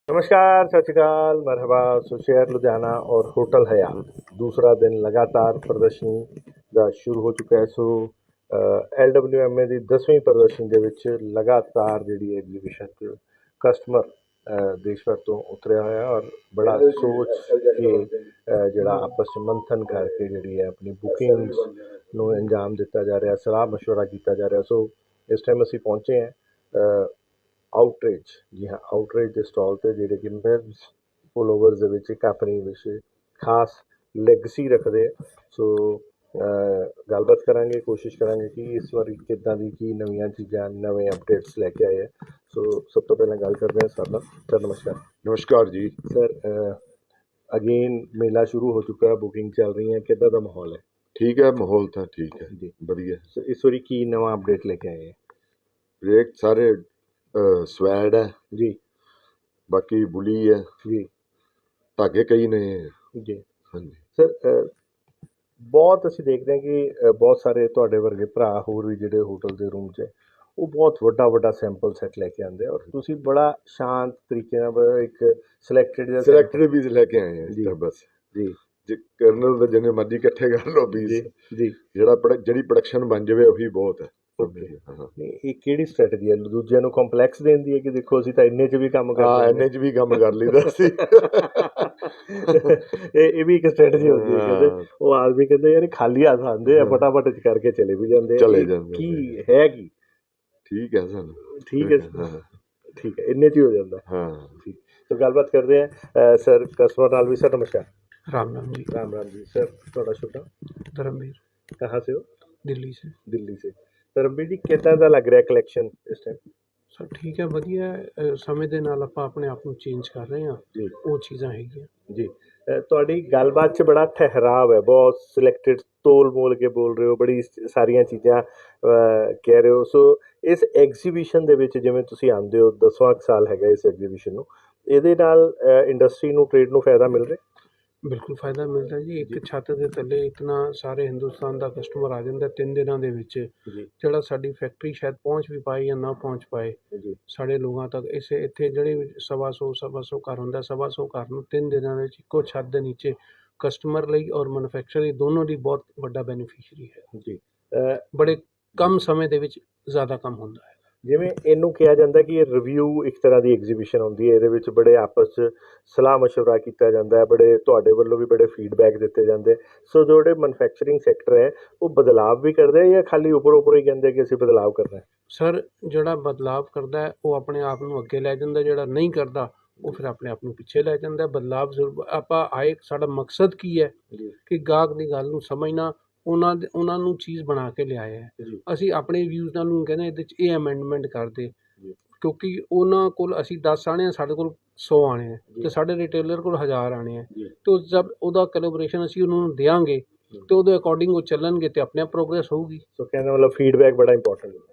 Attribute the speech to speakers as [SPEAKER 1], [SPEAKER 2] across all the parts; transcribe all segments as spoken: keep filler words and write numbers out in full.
[SPEAKER 1] नमस्कार, सत श्री अकाल, मरहबा। सो शहर लुधियाना और होटल हयात दूसरा दिन लगातार प्रदर्शनी ਦਾ ਸ਼ੁਰੂ ਹੋ ਚੁੱਕਾ ਹੈ। So L W M A ਦੀ ਦਸਵੀਂ ਪ੍ਰਦਰਸ਼ਨੀ ਦੇ ਵਿੱਚ ਲਗਾਤਾਰ ਜਿਹੜੀ ਐਗਜ਼ੀਬਿਸ਼ਨ 'ਚ ਕਸਟਮਰ ਦੇਸ਼ ਭਰ ਤੋਂ ਉਤਰਿਆ ਹੋਇਆ ਔਰ ਬੜਾ ਸੋਚ ਕੇ ਅ, ਜਿਹੜਾ ਆਪਸ 'ਚ ਮੰਥਨ ਕਰਕੇ ਜਿਹੜੀ ਹੈ ਆਪਣੀ ਬੁਕਿੰਗਸ ਨੂੰ ਅੰਜਾਮ ਦਿੱਤਾ ਜਾ ਰਿਹਾ, ਸਲਾਹ ਮਸ਼ਵਰਾ ਕੀਤਾ ਜਾ ਰਿਹਾ। ਸੋ ਇਸ ਟਾਈਮ ਅਸੀਂ ਪਹੁੰਚੇ ਹਾਂ ਆਊਟਰੀਚ, ਜੀ ਹਾਂ, ਆਊਟਰੀਚ ਦੇ ਸਟਾਲ 'ਤੇ ਜਿਹੜੇ ਕਿ ਮਿਲਸ ਫੋਲੋਵਰਸ ਦੇ ਵਿੱਚ ਇੱਕ ਆਪਣੀ ਵਿੱਚ ਖਾਸ ਲੈਗਸੀ ਰੱਖਦੇ ਆ। ਸੋ ਗੱਲਬਾਤ ਕਰਾਂਗੇ, ਕੋਸ਼ਿਸ਼ ਕਰਾਂਗੇ ਕਿ ਇਸ ਵਾਰੀ ਕਿੱਦਾਂ ਦੀ ਕੀ ਨਵੀਆਂ ਚੀਜ਼ਾਂ, ਨਵੇਂ ਅਪਡੇਟਸ ਲੈ ਕੇ ਆਏ ਆ। ਸੋ ਸਭ ਤੋਂ ਪਹਿਲਾਂ ਗੱਲ ਕਰਦੇ ਹਾਂ ਸਰ ਨਾਲ। ਸਰ ਨਮਸਕਾਰ।
[SPEAKER 2] ਨਮਸਕਾਰ ਜੀ।
[SPEAKER 1] ਸਰ ਅਗੇਨ ਮੇਲਾ ਸ਼ੁਰੂ ਹੋ ਚੁੱਕਾ, ਬੁਕਿੰਗ ਚੱਲ ਰਹੀ ਹੈ, ਕਿੱਦਾਂ ਦਾ ਮਾਹੌਲ ਹੈ?
[SPEAKER 2] ਠੀਕ ਹੈ, ਮਾਹੌਲ ਤਾਂ ਠੀਕ ਹੈ
[SPEAKER 1] ਜੀ,
[SPEAKER 2] ਵਧੀਆ।
[SPEAKER 1] ਸੋ ਇਸ ਵਾਰੀ ਕੀ ਨਵਾਂ ਅਪਡੇਟ ਲੈ ਕੇ ਆਏ ਹੈ?
[SPEAKER 2] ਰੇਟ ਸਾਰੇ ਸਵੈਡ ਹੈ
[SPEAKER 1] ਜੀ
[SPEAKER 2] ਬਾਕੀ ਬੁਲੀ ਹੈ
[SPEAKER 1] ਜੀ
[SPEAKER 2] ਧਾਗੇ ਕਈ ਨੇ
[SPEAKER 1] ਜੀ
[SPEAKER 2] ਹਾਂਜੀ
[SPEAKER 1] ਸਰ, ਬਹੁਤ ਅਸੀਂ ਦੇਖਦੇ ਹਾਂ ਕਿ ਅ, ਬਹੁਤ ਸਾਰੇ ਤੁਹਾਡੇ ਵਰਗੇ ਭਰਾ ਹੋਰ ਵੀ ਜਿਹੜੇ ਹੋਟਲ ਦੇ ਰੂਮ 'ਚ ਉਹ ਬਹੁਤ ਵੱਡਾ ਵੱਡਾ ਸੈਂਪਲ ਸੈੱਟ ਲੈ ਕੇ ਆਉਂਦੇ ਆ ਔਰ ਤੁਸੀਂ ਬੜਾ ਸ਼ਾਂਤ ਤਰੀਕੇ ਨਾਲ ਬੜਾ ਇੱਕ ਸਿਲੈਕਟਡ ਜਿਹਾ
[SPEAKER 2] ਸਿਲੈਕਟਡ ਪੀਸ ਲੈ ਕੇ ਆਏ
[SPEAKER 1] ਜੀ
[SPEAKER 2] ਹਾਂ ਬਸ।
[SPEAKER 1] ਜੀ
[SPEAKER 2] ਜੇ ਕਰਨਲ ਦੇ ਜਿੰਨੇ ਮਰਜ਼ੀ ਇਕੱਠੇ ਕਰ ਲਓ ਪੀਸ,
[SPEAKER 1] ਜੀ ਜੀ
[SPEAKER 2] ਜਿਹੜਾ ਪ੍ਰੋਡਕ- ਜਿਹੜੀ ਪ੍ਰੋਡਕਸ਼ਨ ਬਣ ਜਾਵੇ ਉਹੀ ਬਹੁਤ ਹੈ।
[SPEAKER 1] ਓਕੇ। ਨਹੀਂ, ਇਹ ਕਿਹੜੀ ਸਟ੍ਰੈਟਜੀ ਹੈ? ਦੂਜਿਆਂ ਨੂੰ ਕੰਪਲੈਕਸ ਦੇਣ ਦੀ ਹੈ ਕਿ ਦੇਖੋ ਅਸੀਂ ਤਾਂ ਇੰਨੇ 'ਚ ਵੀ ਕੰਮ
[SPEAKER 2] ਹਾਂ,
[SPEAKER 1] ਕਰਦੇ
[SPEAKER 2] ਇੰਨੇ 'ਚ ਵੀ ਕੰਮ ਕਰ ਲਈਦਾ ਸੀ।
[SPEAKER 1] ਇਹ ਇਹ ਵੀ ਇੱਕ ਸਟ੍ਰੈਟਜੀ ਹੁੰਦੀ ਹੈ। ਕਹਿੰਦੇ ਉਹ ਆਦਮੀ ਕਹਿੰਦੇ ਯਾਰ ਇਹ ਖਾਲੀ ਹੱਥ ਆਉਂਦੇ ਆ, ਫਟਾਫਟ ਚ ਕਰਕੇ ਚਲੇ ਵੀ ਜਾਂਦੇ ਆ।
[SPEAKER 2] ਚਲੇ
[SPEAKER 1] ਇਹ
[SPEAKER 2] ਜਾਂਦੇ
[SPEAKER 1] ਕੀ ਹੈ ਕੀ
[SPEAKER 2] ਠੀਕ ਹੈ ਸਾਨੂੰ
[SPEAKER 1] ਠੀਕ ਹੈ
[SPEAKER 2] ਹਾਂ
[SPEAKER 1] ਠੀਕ ਹੈ, ਇੰਨੇ 'ਚ ਹੀ ਹੋ ਜਾਂਦਾ।
[SPEAKER 2] ਹਾਂ
[SPEAKER 1] ਠੀਕ, ਸੋ ਗੱਲਬਾਤ ਕਰਦੇ ਆ ਸਰ ਕਸਬਾ ਨਾਲ ਵੀ। सर नमस्कार।
[SPEAKER 3] राम राम जी।
[SPEAKER 1] राम राम जी। सर ਤੁਹਾਡਾ ਸ਼ੁਭ ਨਾਮ?
[SPEAKER 3] धर्मवीर,
[SPEAKER 1] कहाँ से हो?
[SPEAKER 3] दिल्ली से।
[SPEAKER 1] ਦਿੱਲੀ ਸੇ। ਧਰਮਵੀਰ ਜੀ, ਕਿੱਦਾਂ ਦਾ ਲੱਗ ਰਿਹਾ ਕਲੈਕਸ਼ਨ ਇਸ ਟਾਈਮ?
[SPEAKER 3] ਸਰ ਠੀਕ ਹੈ, ਵਧੀਆ ਹੈ। ਅ, ਸਮੇਂ ਦੇ ਨਾਲ ਆਪਾਂ ਆਪਣੇ ਆਪ ਨੂੰ ਚੇਂਜ ਕਰ ਰਹੇ ਹਾਂ,
[SPEAKER 1] ਜੀ
[SPEAKER 3] ਉਹ ਚੀਜ਼ਾਂ ਹੈਗੀਆਂ।
[SPEAKER 1] ਜੀ ਅ, ਤੁਹਾਡੀ ਗੱਲਬਾਤ 'ਚ ਬੜਾ ਠਹਿਰਾਵ ਹੈ, ਬਹੁਤ ਸਿਲੈਕਟਡ, ਤੋਲ ਮੋਲ ਕੇ ਬੋਲ ਰਹੇ ਹੋ, ਬੜੀ ਸ- ਸਾਰੀਆਂ ਚੀਜ਼ਾਂ ਅ, ਕਹਿ ਰਹੇ ਹੋ। ਸੋ ਇਸ ਐਗਜ਼ੀਬਿਸ਼ਨ ਦੇ ਵਿੱਚ ਜਿਵੇਂ ਤੁਸੀਂ ਆਉਂਦੇ ਹੋ, ਦਸਵਾਂ ਕੁ ਸਾਲ ਹੈਗਾ ਇਸ ਐਗਜ਼ੀਬਿਸ਼ਨ ਨੂੰ, ਇਹਦੇ ਨਾਲ ਇੰਡਸਟਰੀ ਨੂੰ, ਟ੍ਰੇਡ ਨੂੰ ਫਾਇਦਾ ਮਿਲ ਰਿਹਾ?
[SPEAKER 3] ਬਿਲਕੁਲ ਫਾਇਦਾ ਮਿਲਦਾ ਜੀ। ਇੱਕ ਛੱਤ ਦੇ ਥੱਲੇ ਇਤਨਾ ਸਾਰੇ ਹਿੰਦੁਸਤਾਨ ਦਾ ਕਸਟਮਰ ਆ ਜਾਂਦਾ ਤਿੰਨ ਦਿਨਾਂ ਦੇ ਵਿੱਚ,
[SPEAKER 1] ਜੀ
[SPEAKER 3] ਜਿਹੜਾ ਸਾਡੀ ਫੈਕਟਰੀ ਸ਼ਾਇਦ ਪਹੁੰਚ ਵੀ ਪਾਏ ਜਾਂ ਨਾ ਪਹੁੰਚ ਪਾਏ
[SPEAKER 1] ਜੀ
[SPEAKER 3] ਸਾਡੇ ਲੋਕਾਂ ਤੱਕ। ਇਸ ਇੱਥੇ ਜਿਹੜੇ ਸਵਾ ਸੌ ਸਵਾ ਸੌ ਘਰ ਹੁੰਦਾ, ਸਵਾ ਸੌ ਘਰ ਨੂੰ ਤਿੰਨ ਦਿਨਾਂ ਦੇ ਵਿੱਚ ਇੱਕੋ ਛੱਤ ਦੇ ਨੀਚੇ ਕਸਟਮਰ ਲਈ ਔਰ ਮੈਨੂਫੈਕਚਰ ਲਈ ਦੋਨੋਂ ਲਈ ਬਹੁਤ ਵੱਡਾ ਬੈਨੀਫਿਸ਼ਰੀ ਹੈ।
[SPEAKER 1] ਜੀ ਅ,
[SPEAKER 3] ਬੜੇ ਕਮ ਸਮੇਂ ਦੇ ਵਿੱਚ ਜ਼ਿਆਦਾ ਕੰਮ ਹੁੰਦਾ ਹੈ।
[SPEAKER 1] ਜਿਵੇਂ ਇਹਨੂੰ ਕਿਹਾ ਜਾਂਦਾ ਕਿ ਇਹ ਰਿਵਿਊ ਇੱਕ ਤਰ੍ਹਾਂ ਦੀ ਐਗਜ਼ੀਬਿਸ਼ਨ ਹੁੰਦੀ ਹੈ, ਇਹਦੇ ਵਿੱਚ ਬੜੇ ਆਪਸ 'ਚ ਸਲਾਹ ਮਸ਼ਵਰਾ ਕੀਤਾ ਜਾਂਦਾ ਹੈ, ਬੜੇ ਤੁਹਾਡੇ ਵੱਲੋਂ ਵੀ ਬੜੇ ਫੀਡਬੈਕ ਦਿੱਤੇ ਜਾਂਦੇ। ਸੋ ਜਿਹੜੇ ਮੈਨੂਫੈਕਚਰਿੰਗ ਸੈਕਟਰ ਹੈ ਉਹ ਬਦਲਾਵ ਵੀ ਕਰਦੇ ਆ ਜਾਂ ਖਾਲੀ ਉੱਪਰ ਉੱਪਰ ਹੀ ਕਹਿੰਦੇ ਕਿ ਅਸੀਂ ਬਦਲਾਵ ਕਰਨਾ ਹੈ?
[SPEAKER 3] ਸਰ ਜਿਹੜਾ ਬਦਲਾਵ ਕਰਦਾ ਹੈ ਉਹ ਆਪਣੇ ਆਪ ਨੂੰ ਅੱਗੇ ਲੈ ਜਾਂਦਾ, ਜਿਹੜਾ ਨਹੀਂ ਕਰਦਾ ਉਹ ਫਿਰ ਆਪਣੇ ਆਪ ਨੂੰ ਪਿੱਛੇ ਲੈ ਜਾਂਦਾ। ਬਦਲਾਵ ਜ਼ਰੂਰ ਆਪਾਂ ਆਏ, ਸਾਡਾ ਮਕਸਦ ਕੀ ਹੈ
[SPEAKER 1] ਜੀ
[SPEAKER 3] ਕਿ ਗਾਹਕ ਦੀ ਗੱਲ ਨੂੰ ਸਮਝਣਾ, ਉਹਨਾਂ ਦੇ ਉਹਨਾਂ ਨੂੰ ਚੀਜ਼ ਬਣਾ ਕੇ ਲਿਆਇਆ ਹੈ।
[SPEAKER 1] ਜੀ
[SPEAKER 3] ਅਸੀਂ ਆਪਣੇ ਵਿਊਜ਼ ਨਾਲ ਨੂੰ ਕਹਿੰਦੇ ਇਹਦੇ 'ਚ ਇਹ ਅਮੈਂਡਮੈਂਟ ਕਰ ਦੇ,
[SPEAKER 1] ਜੀ
[SPEAKER 3] ਕਿਉਂਕਿ ਉਹਨਾਂ ਕੋਲ ਅਸੀਂ ਦਸ ਆਣੇ ਆ, ਸਾਡੇ ਕੋਲ ਸੌ ਆਣੇ ਆ
[SPEAKER 1] ਜੀ।
[SPEAKER 3] ਤੇ ਸਾਡੇ ਰਿਟੇਲਰ ਕੋਲ ਹਜ਼ਾਰ ਆਣੇ ਆ।
[SPEAKER 1] ਜੀ
[SPEAKER 3] ਤੇ ਉਹ ਜਦ ਉਹਦਾ ਕੋਲੈਬੋਰੇਸ਼ਨ ਅਸੀਂ ਉਹਨਾਂ ਨੂੰ ਦਿਆਂਗੇ ਤੇ ਉਹਦੇ ਅਕੋਰਡਿੰਗ ਉਹ ਚੱਲਣਗੇ ਤੇ ਆਪਣੇ ਆਪ ਪ੍ਰੋਗਰੈਸ ਹੋਊਗੀ।
[SPEAKER 1] ਸੋ ਕਹਿੰਦਾ ਮਤਲਬ ਫੀਡਬੈਕ ਬੜਾ ਇੰਪੋਰਟੈਂਟ ਹੈ।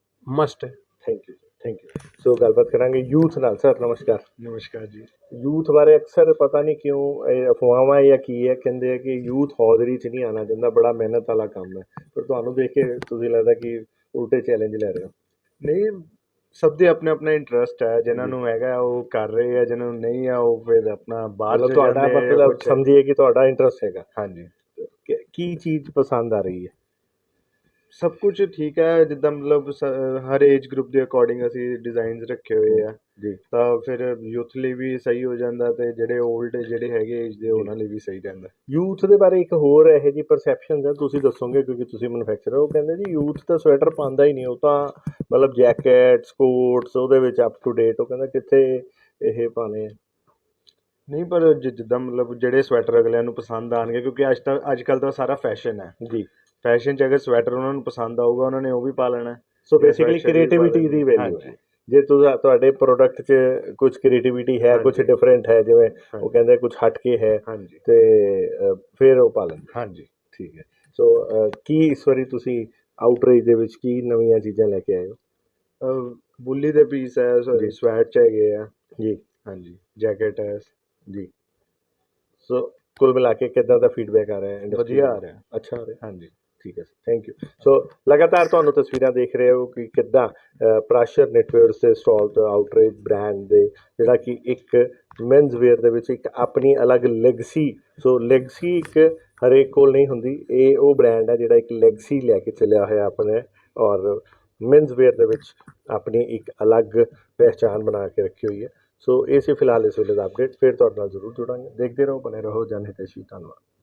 [SPEAKER 3] ਮਸਟ ਹੈ।
[SPEAKER 1] Thank you thank you. So ਗੱਲਬਾਤ ਕਰਾਂਗੇ ਯੂਥ ਨਾਲ। ਸਰ ਨਮਸਕਾਰ।
[SPEAKER 2] ਨਮਸਕਾਰ ਜੀ।
[SPEAKER 1] ਯੂਥ ਬਾਰੇ ਅਕਸਰ ਪਤਾ ਨਹੀਂ ਕਿਉਂ ਇਹ ਅਫਵਾਹਾਂ ਜਾਂ ਕੀ ਹੈ, ਕਹਿੰਦੇ ਆ ਕਿ ਯੂਥ ਹੌਜ਼ਰੀ 'ਚ ਨਹੀਂ ਆਉਣਾ ਚਾਹੁੰਦਾ, ਬੜਾ ਮਿਹਨਤ ਵਾਲਾ ਕੰਮ ਹੈ, ਪਰ ਤੁਹਾਨੂੰ ਦੇਖ ਕੇ ਤੁਸੀਂ ਲੱਗਦਾ ਕਿ ਉਲਟੇ ਚੈਲੰਜ ਲੈ ਰਹੇ ਹੋ।
[SPEAKER 4] ਨਹੀਂ, ਸਭ ਦੇ ਆਪਣੇ ਆਪਣਾ ਇੰਟਰਸਟ ਹੈ। ਜਿਨ੍ਹਾਂ ਨੂੰ ਹੈਗਾ ਉਹ ਕਰ ਰਹੇ ਆ, ਜਿਨ੍ਹਾਂ ਨੂੰ ਨਹੀਂ ਆ ਉਹ ਫਿਰ ਆਪਣਾ ਬਾਹਰ
[SPEAKER 1] ਮਤਲਬ
[SPEAKER 4] ਚਲੇ
[SPEAKER 1] ਤੁਹਾਡਾ
[SPEAKER 4] ਜਾਂਦੇ ਆ ਜਾਂ
[SPEAKER 1] ਮਤਲਬ
[SPEAKER 4] ਕੁਛ।
[SPEAKER 1] ਸਮਝੀਏ ਕਿ ਤੁਹਾਡਾ ਇੰਟਰਸਟ ਹੈਗਾ।
[SPEAKER 4] ਹਾਂਜੀ,
[SPEAKER 1] ਕਿ- ਕੀ ਚੀਜ਼ ਪਸੰਦ ਆ ਰਹੀ ਹੈ?
[SPEAKER 4] ਸਭ ਕੁਝ ਠੀਕ ਹੈ। ਜਿੱਦਾਂ ਮਤਲਬ ਸ- ਹਰ ਏਜ ਗਰੁੱਪ ਦੇ ਅਕੋਰਡਿੰਗ ਅਸੀਂ ਡਿਜ਼ਾਈਨਸ ਰੱਖੇ ਹੋਏ ਆ,
[SPEAKER 1] ਜੀ
[SPEAKER 4] ਤਾਂ ਫਿਰ ਯੂਥ ਲਈ ਵੀ ਸਹੀ ਹੋ ਜਾਂਦਾ ਤੇ ਜਿਹੜੇ 올ਡ ਜਿਹੜੇ ਹੈਗੇ ਏਜ ਦੇ ਉਹਨਾਂ ਲਈ ਵੀ ਸਹੀ ਰਹਿੰਦਾ।
[SPEAKER 1] ਯੂਥ ਦੇ ਬਾਰੇ ਇੱਕ ਹੋਰ ਇਹੋ ਜਿਹੀ ਪਰਸੈਪਸ਼ਨ ਹੈ, ਤੁਸੀਂ ਦੱਸੋਗੇ ਕਿਉਂਕਿ ਤੁਸੀਂ ਮੈਨੂਫੈਕਚਰਰ ਹੋ। ਉਹ ਕਹਿੰਦੇ ਜੀ ਯੂਥ ਤਾਂ ਸਵੈਟਰ ਪਾਉਂਦਾ ਹੀ ਨਹੀਂ, ਉਹ ਤਾਂ ਮਤਲਬ ਜੈਕਟਸ ਕੋਟਸ ਉਹਦੇ ਵਿੱਚ ਅਪ ਟੂ ਡੇਟ। ਉਹ ਕਹਿੰਦਾ ਕਿੱਥੇ ਇਹ ਪਾਣੇ ਆ।
[SPEAKER 4] ਨਹੀਂ, ਪਰ ਜਿ- ਜਿੱਦਾਂ ਮਤਲਬ ਜਿਹੜੇ ਸਵੈਟਰ ਅਗਲਿਆਂ ਨੂੰ ਪਸੰਦ ਆਉਣਗੇ, ਕਿਉਂਕਿ ਅੱਜ ਤੱਕ ਅੱਜ ਕੱਲ੍ਹ ਦਾ ਸਾਰਾ ਫੈਸ਼ਨ ਹੈ।
[SPEAKER 1] ਜੀ
[SPEAKER 4] ਫੈਸ਼ਨ 'ਚ ਅਗਰ ਸਵੈਟਰ ਉਹਨਾਂ ਨੂੰ ਪਸੰਦ ਆਊਗਾ ਉਹਨਾਂ ਨੇ ਉਹ ਵੀ ਪਾ ਲੈਣਾ।
[SPEAKER 1] ਸੋ
[SPEAKER 4] ਜਾਂ
[SPEAKER 1] ਬੇਸਿਕਲੀ
[SPEAKER 4] sweatshirt ਵੀ
[SPEAKER 1] ਕ੍ਰੀਏਟਿਵਿਟੀ
[SPEAKER 4] ਪਾ
[SPEAKER 1] ਦੀ
[SPEAKER 4] ਲੈਣੀ।
[SPEAKER 1] ਵੈਲਿਊ
[SPEAKER 4] ਹਾਂਜੀ।
[SPEAKER 1] ਹੈ। ਜੇ ਤੁਸੀਂ ਤੁਹਾਡੇ ਪ੍ਰੋਡਕਟ 'ਚ ਕੁਝ ਕ੍ਰੀਏਟਿਵਿਟੀ ਹੈ, ਕੁਝ
[SPEAKER 4] ਹਾਂਜੀ।
[SPEAKER 1] ਡਿਫਰੈਂਟ ਹੈ, ਜਿਵੇਂ ਉਹ
[SPEAKER 4] ਹਾਂਜੀ।
[SPEAKER 1] ਕਹਿੰਦੇ ਕੁਝ ਹਟ ਕੇ ਹੈ,
[SPEAKER 4] ਹਾਂਜੀ
[SPEAKER 1] ਤੇ ਅ, ਫਿਰ ਉਹ ਪਾ ਲੈਂਦੇ।
[SPEAKER 4] ਹਾਂਜੀ।
[SPEAKER 1] ਠੀਕ ਹੈ। ਸੋ ਅ, ਕੀ ਇਸ ਵਾਰੀ ਤੁਸੀਂ ਆਊਟਰੀਚ ਦੇ ਵਿੱਚ ਕੀ ਨਵੀਆਂ ਚੀਜ਼ਾਂ ਲੈ ਕੇ ਆਏ ਹੋ?
[SPEAKER 4] ਅਹ ਬੁੱਲੀ ਦੇ ਪੀਸ ਹੈ,
[SPEAKER 1] ਜੀ।
[SPEAKER 4] ਸਵੈਟ 'ਚ ਹੈਗੇ ਆ।
[SPEAKER 1] ਜੀ
[SPEAKER 4] ਹਾਂਜੀ, ਜੈਕਟ ਹੈ।
[SPEAKER 1] ਜੀ। ਸੋ ਕੁੱਲ ਮਿਲਾ ਕੇ ਕਿੱਦਾਂ ਦਾ ਫੀਡਬੈਕ ਆ ਰਿਹਾ ਹੈ? industry
[SPEAKER 4] ਵਧੀਆ
[SPEAKER 1] ਦਾ?
[SPEAKER 4] ਆ ਰਿਹਾ।
[SPEAKER 1] ਅੱਛਾ ਆ ਰਿਹਾ।
[SPEAKER 4] ਹਾਂਜੀ।
[SPEAKER 1] ਠੀਕ ਹੈ ਥੈਂਕ ਯੂ ਸੋ ਲਗਾਤਾਰ ਤੁਹਾਨੂੰ ਤਸਵੀਰਾਂ ਦੇਖ ਰਹੇ ਹੋ ਕਿ ਕਿੱਦਾਂ ਅ, ਪ੍ਰਾਸ਼ਰ ਨੈਟਵੇਅਰਸ ਦੇ ਸਟਾਲ ਤੋਂ ਆਊਟਰੇਜ ਬ੍ਰਾਂਡ ਦੇ ਜਿਹੜਾ ਕਿ ਇੱਕ ਮੈਨਸ ਵੇਅਰ ਦੇ ਵਿੱਚ ਇੱਕ ਆਪਣੀ ਅਲੱਗ ਲੈਗਸੀ ਸੋ ਲੈਗਸੀ ਇੱਕ ਹਰੇਕ ਕੋਲ ਨਹੀਂ ਹੁੰਦੀ ਇਹ ਉਹ ਬ੍ਰਾਂਡ ਹੈ ਜਿਹੜਾ ਇੱਕ ਲੈਗਸੀ ਲੈ ਕੇ ਚੱਲਿਆ ਹੋਇਆ ਆਪਣੇ ਔਰ ਮੈਨਸ ਵੇਅਰ ਦੇ ਵਿੱਚ ਆਪਣੀ ਇੱਕ ਅਲੱਗ ਪਹਿਚਾਣ ਬਣਾ ਕੇ ਰੱਖੀ ਹੋਈ ਹੈ ਸੋ ਇਹ ਸੀ ਫਿਲਹਾਲ ਇਸ ਵੇਲੇ ਦਾ ਅਪਡੇਟ ਫਿਰ ਤੁਹਾਡੇ ਨਾਲ ਜ਼ਰੂਰ ਜੁੜਾਂਗੇ ਦੇਖਦੇ ਰਹੋ ਬਣੇ ਰਹੋ ਜਨ ਹਿਤੈਸ਼ੀ ਧੰਨਵਾਦ